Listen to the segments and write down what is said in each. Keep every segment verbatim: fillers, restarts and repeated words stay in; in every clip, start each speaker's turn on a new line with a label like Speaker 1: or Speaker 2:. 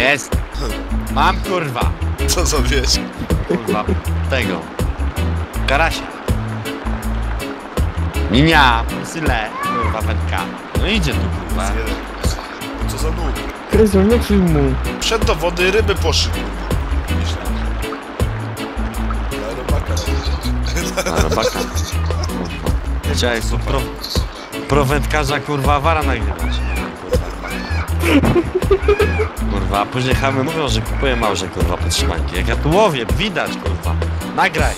Speaker 1: Jest! Mam kurwa!
Speaker 2: Co za wieś?
Speaker 1: Kurwa, tego. Karasia. Minia, syle, kurwa, wędka. No idzie tu, kurwa.
Speaker 2: Co za nóg?
Speaker 3: Krystian, nie krzyw mu.
Speaker 2: Przed do wody ryby poszły. Myślałem. Na robaka.
Speaker 1: A, robaka. Chciałeś tu pro, pro wędkarza, kurwa, wara nagrywać. Kurwa, a później chamy mówią, że kupuję małże, kurwa, podtrzymanki. Jak ja tu łowię, widać, kurwa. Nagraj.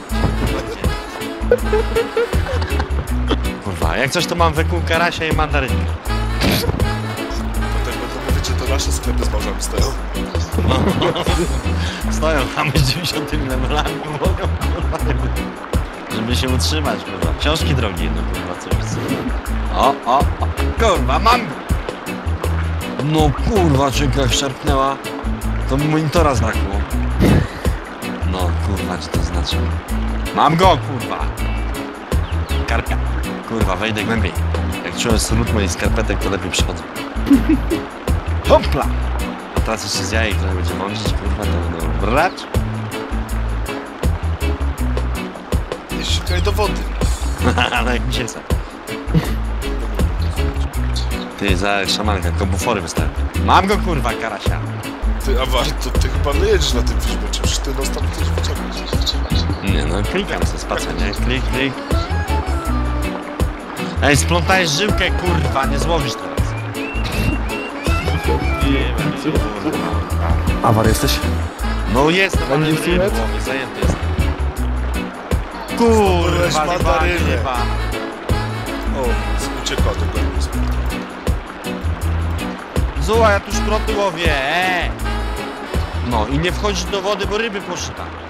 Speaker 1: Kurwa, jak coś to mam wykół karasia i mandarynkę.
Speaker 2: Potem będą, wiecie, to nasze sklepy z małżami stoją.
Speaker 1: No. Stoją chamy z dziewięćdziesiątymi levelami, mogą, kurwa, żeby się utrzymać, kurwa. Książki drogie, no kurwa, co jest. O, o, o, kurwa, mam go! No kurwa, czeka jak szarpnęła, to mi monitora zbrakło. No kurwa, co to znaczy? Mam go, kurwa! Karpia. Kurwa, wejdę głębiej. Jak czułem smród moich skarpetek, to lepiej przychodzę. Hopla! A teraz jeszcze z jajek, które będzie mączyć, kurwa, to będą brać.
Speaker 2: Nie sikaj do wody.
Speaker 1: Ale jak mi się chce. Ty, za szamanka, kobufory wystarczy. Mam go, kurwa, karasia.
Speaker 2: Ty, a warto, ty chyba nie jedziesz na tym fishbocie, przecież ty no tam coś wyciągniesz.
Speaker 1: Nie no, klikam se spacę, nie? Klik, klik. Ej, splątajesz żyłkę, kurwa, nie złowisz teraz. Nie wiem, kurwa.
Speaker 3: Awar jesteś?
Speaker 1: No jestem, ale
Speaker 3: Będzie
Speaker 1: nie
Speaker 3: filet?
Speaker 1: było, mi zajęty jest. Kurwa,
Speaker 2: Zdobyłeś mandarynę.
Speaker 1: chyba.
Speaker 2: O, uciekła do góry.
Speaker 1: Zuła, ja tu szproty łowię, eee. No i nie wchodzić do wody, bo ryby poszły tam.